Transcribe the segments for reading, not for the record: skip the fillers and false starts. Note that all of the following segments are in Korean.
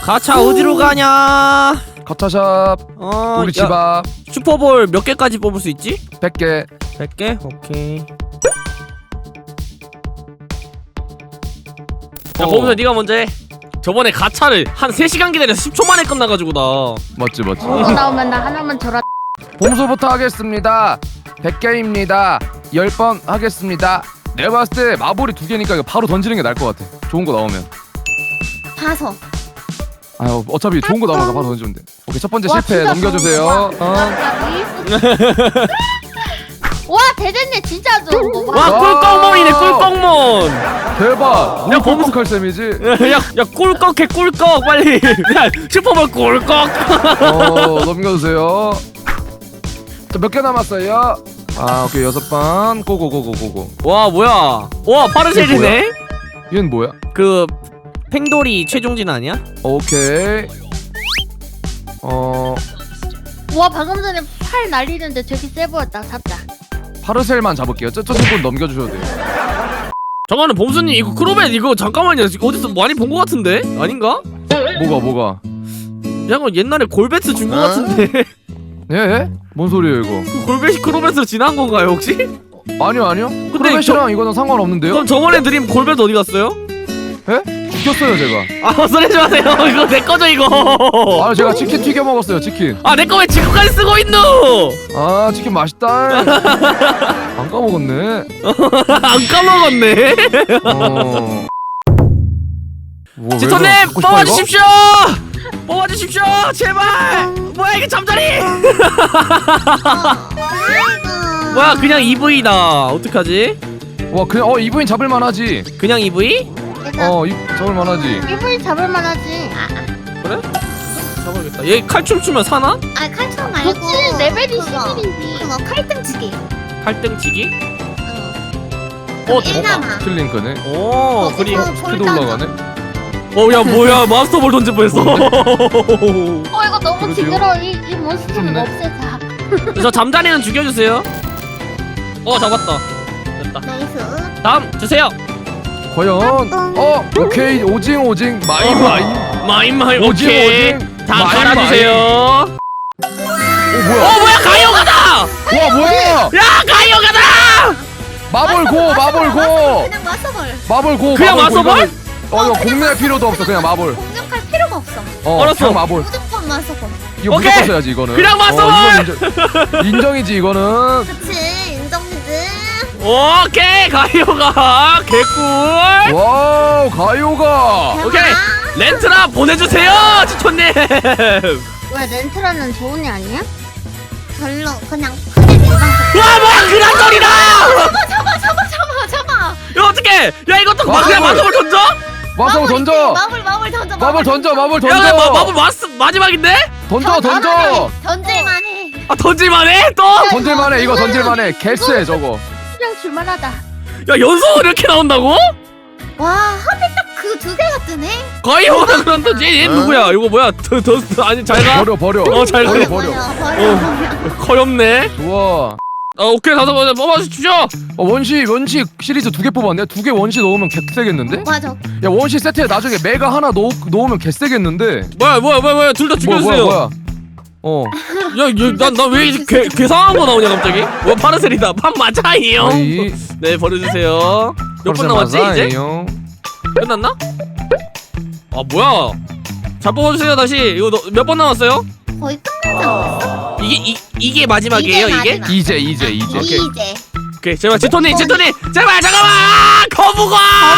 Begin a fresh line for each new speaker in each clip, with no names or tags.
가차 어디로 가냐?
가차샵 우리 집 앞.
슈퍼볼 몇 개까지 뽑을 수 있지?
100개.
100개? 오케이. 야 범수 네가 먼저 해. 저번에 가차를 한 3시간 기다려서 10초 만에 끝나가지고 나.
맞지.
나오면 나 하나만 줘라.
봄소부터 하겠습니다. 100개입니다 10번 하겠습니다. 내가 봤을 때 마블이 2개니까 이거 바로 던지는 게 나을 것 같아. 좋은 거 나오면.
5.
아유 어차피 좋은 거 나오면 바로 던지면 돼. 오케이 첫 번째
와,
실패
진짜
넘겨주세요.
와 대전님 진짜 좋은 거.
와 꿀꺽몬이네 꿀꺽몬.
대박. 우리
야, 범수-
꿀꺽할 셈이지.
야 꿀꺽해 꿀꺽 빨리. 야 슈퍼볼 꿀꺽.
넘겨주세요. 자, 몇 개 남았어요? 아 오케이 6번. 고고고고고고.
와 뭐야? 와 파르셀이네.
얘는 뭐야?
그 팽돌이 최종진 아니야?
오케이.
와 방금 전에 팔 날리는데 되게 세 보였다. 잡자.
파르셀만 잡을게요. 저 친구는 넘겨주셔도 돼요.
잠깐만 범수님 이거 크로벳 이거 잠깐만요. 어디서 많이 본 것 같은데? 아닌가?
뭐가?
약간 옛날에 골베트 준 것 같은데.
예? 뭔 소리예요 이거?
그 골베시 크로벳으로 지난 건가요 혹시?
아니요. 크로벳이랑 이거는 상관없는데요?
그럼 저번에 드린 골베트 어디 갔어요?
예? 죽였어요 제가.
아 헛소리하지 마세요. 이거 내 거죠 이거.
아 제가 치킨 튀겨 먹었어요 치킨.
아 내 거 왜 지금까지 쓰고 있노?
아 치킨 맛있다. 안 까먹었네.
안 까먹었네. 지터님 뽑아주십시오. 뽑아주십시오 제발. 뭐야 이게 잠자리. 뭐야 그냥 EV다. 어떡하지?
와 그냥 이브인 잡을만하지.
그냥 EV?
잡을만하지.
이분이 잡을만하지.
그래? 잡아야겠다. 얘 칼춤 추면 사나?
아 칼춤 말고
그치 레벨이
그거.
11이지.
그거 칼등치기.
팔등치기?
응.
대박.
일남아.
킬링크네.
오 그림
스피드 올라가네.
야 뭐야 마스터볼 던질 뻔했어.
이거 너무
그러게요.
징그러워. 이 몬스터 좀
좋네.
없애자.
저 잠자리는 죽여주세요. 잡았다. 됐다.
나이스.
다음 주세요.
과연 오케이 오징
마인
오징
오케이. 다
마인,
갈아주세요.
뭐야?
뭐야 가요가다.
와 뭐야?
야 가요가다.
마블 고
그냥 마서볼.
마블 고
그냥 마서볼?
이거 공략 필요도 없어 그냥 마블.
공격할 필요가 없어.
알았어.
그냥 마블.
무조건 마서볼.
이거
오케이.
무조건 써야지 이거는.
그냥 마서볼!
인정이지 이거는.
그치 인정이지.
오케이 가요가 개꿀.
와우 가요가.
오케이 렌트라 보내주세요 지촌님.
왜 렌트라는 좋은 애 아니야?
별로 그냥 크게 일반.
와 뭐야 그란 소리다.
잡아.
야 어떡해. 야 이것도
마블.
그냥 마법을 던져?
마블 던져.
마블 던져.
마블 던져.
야 마법 마지막인데?
던져.
던질만 해.
아 던질만해 또?
던질만해 이거 던질만해. 개쎄 저거.
그냥 줄만하다.
야 연속 이렇게 나온다고?
와 하필 딱 그 두 개가 뜨네.
가요가 그런다. 얘 누구야? 이거 뭐야? 아니 잘가.
버려.
잘
버려.
버려.
커엽네.
좋아.
오케이 다섯 번째 뽑아주십시오.
원시 시리즈 2개 뽑았네. 2개 원시 넣으면 개세겠는데?
맞아.
야 원시 세트에 나중에 메가 하나 넣으면 개세겠는데?
뭐야 둘 다 죽여주세요.
뭐야?
야난왜 이렇게 괴상한 거 나오냐 갑자기? 뭐 파르셀이다. 판 맞아요.
아이,
네 버려주세요. 몇 번 남았지 이제? 끝났나? 아 뭐야? 잘 뽑아주세요 다시. 이거 몇 번 남았어요?
거의 끝나지 않았어?
이게 마지막이에요 이게?
마지막.
이제.
오케이.
이제.
오케이 제발 지토님 제발 잠깐만 거부가.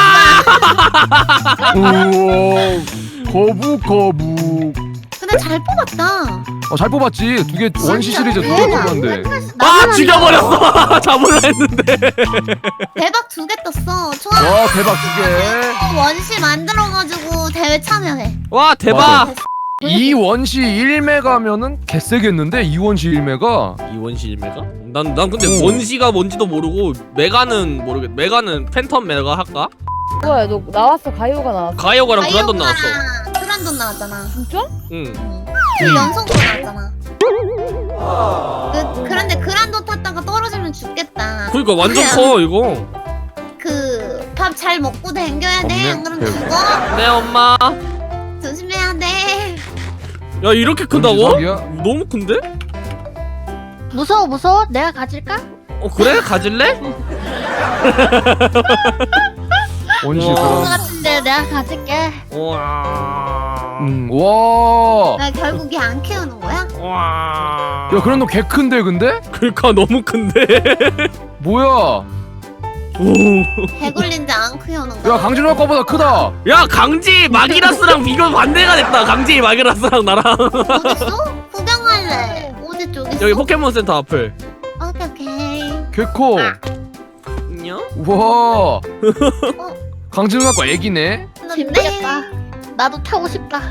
거부.
근데 잘 뽑았다.
잘 뽑았지. 2개 원시 시리즈 2개 뽑았는데.
아 죽여버렸어. 잡으려 했는데.
대박 2개 떴어. 좋아.
와 대박 2개.
원시 만들어가지고 대회 참여해.
와 대박.
맞아. 2원시 1메가면은 개세겠는데 2원시 1메가.
이원시 일메가? 난 근데 원시가 뭔지도 모르고 메가는 모르겠. 메가는 팬텀 메가 할까?
뭐야 너 나왔어 가요가 나왔어
가이오가랑 브란돈 나왔어.
브란돈 나왔잖아.
진짜?
응.
그 연속으로 나왔잖아. 그런데 그란돈 탔다가 떨어지면 죽겠다.
그러니까 완전 커 이거.
그 밥 잘 먹고 댕겨야 돼.
없네.
안 그러면
배우.
죽어.
네 엄마.
조심해야 돼.
야 이렇게 큰다고?
원시석이야?
너무 큰데?
무서워. 내가 가질까?
그래? 가질래?
원시
우와.
그런 거
그런.
같은데 내가 가질게.
우와.
와.
나 결국 얘 안 키우는 거야?
우와.
야 그런 너 개 큰데 근데?
그러니까 너무 큰데.
뭐야?
오.
개굴린지 안 키우는
야
거야?
강진호 아까보다 크다.
야 강지 마기라스랑 비교 반대가 됐다. 강지 마기라스랑 나랑.
어딨어? 구경할래. 어디 쪽에 있어?
여기 포켓몬 센터 앞을.
오케이.
개 커.
안녕.
우와. 강진호 아까 애기네.
재밌겠다. 나도 타고 싶다.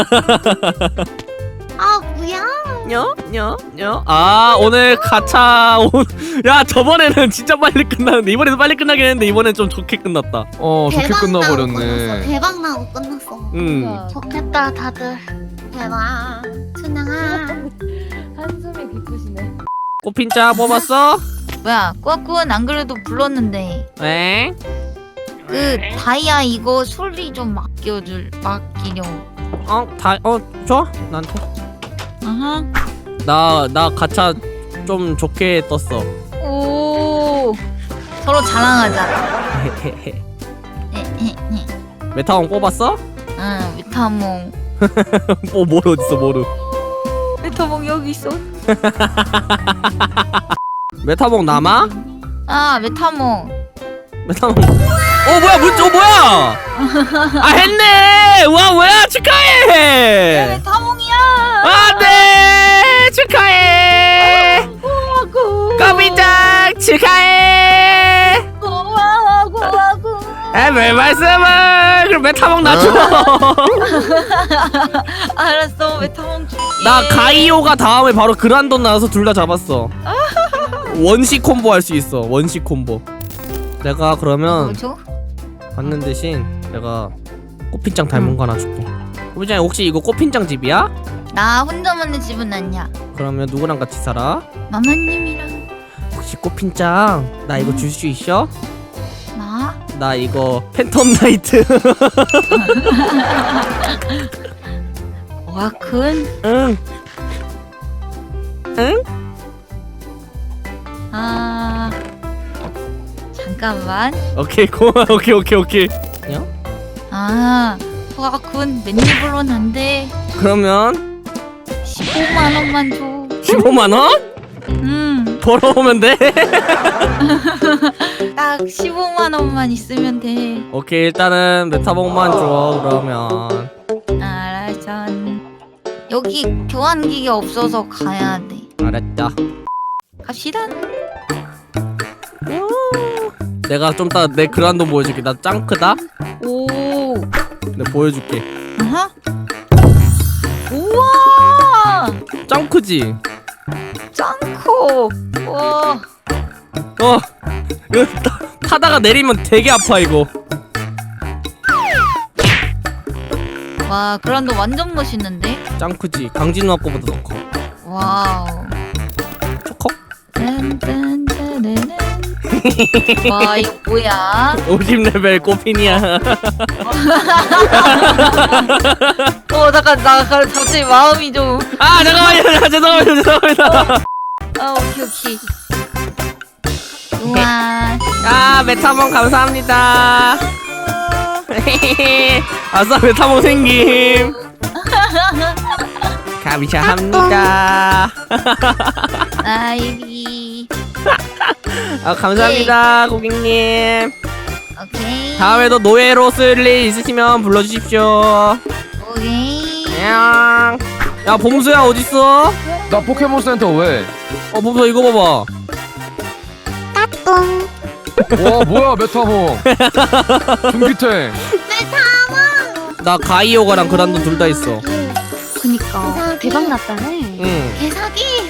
아 뭐야?
녀. 아 오늘 가차 야 저번에는 진짜 빨리 끝났는데 이번에도 빨리 끝나긴 했는데 이번엔 좀 좋게 끝났다.
좋게
대박 나고 끝났어.
끝나버렸네.
대박 나고 끝났어.
좋겠다 다들.
대박. 춘향아.
한숨이 깊으시네.
꽃핀자 뽑았어?
뭐야, 꾸아꾸는 안 그래도 불렀는데
에?
그 다이아 이거 소리 좀 맡기려.
줘? 나한테.
아하.
나 가차 좀 좋게 떴어.
오. 서로 자랑하자.
메타몽 뽑았어?
응, 메타몽.
모르 어딨어 모르.
메타몽 여기 있어.
메타몽 남아?
아, 메타몽.
메타몽. 뭐야 뭐야? 아 했네. 와 뭐야 축하해.
메타몽이야.
안돼 축하해. 꼬비짱 축하해.
고마워.
왜 말씀을? 그럼 메타몽 놔줘.
알았어, 메타몽 줄게.
나 가이오가 다음에 바로 그란돈 나와서 둘 다 잡았어. 원시 콤보 할 수 있어. 원시 콤보. 내가 그러면
뭐죠?
받는 대신 내가 꽃핀장 닮은 거 하나 줄게. 꽃핀장 혹시 이거 꽃핀장 집이야?
나 혼자만의 집은 아니야.
그러면 누구랑 같이 살아?
마마님이랑.
혹시 꽃핀장 나 이거 줄 수 있어?
나?
나 이거 팬텀 나이트.
와, 큰.
응. 응?
아, 잠깐만.
오케이 고마워. 오케이.
아, 와, 큰 맨입으로는 안 돼.
그러면
15만 원만 줘.
15만 원? 벌어오면 돼.
딱 15만 원만 있으면 돼.
오케이 일단은 메타봉만 줘 그러면.
알았어. 여기 교환기계 없어서 가야 돼.
알았다.
갑시다.
내가 좀 이따 내 그란돈 보여줄게. 나 짱 크다.
오.
내가 보여줄게.
아하. 우와.
짱 크지?
짱코. 와.
이거 타다가 내리면 되게 아파 이거.
와, 그란도 완전 멋있는데?
짱 크지? 강진우 아빠보다 더 커.
와우.
초컥?
딴딴따라란. 와, 이거 뭐야?
50레벨 꼬핀이야.
잠깐, 나 갑자기 마음이 좀.
아 잠깐만요. 죄송합니다.
아, 오케이. 우와.
아 메타몽 감사합니다. 아싸 메타몽 생김. 감사합니다.
아이비.
아 감사합니다 고객님.
오케이.
다음에도 노예로 쓸 일 있으시면 불러주십시오.
오케이.
안녕. 야 봄수야 어딨어?
나 포켓몬 센터 왜?
봄수 이거 봐봐.
와 뭐야 메타몽. 중기탱.
나 가이오가랑 그란돈 둘 다 있어.
그니까.
대박 났다네.
응.
개사기.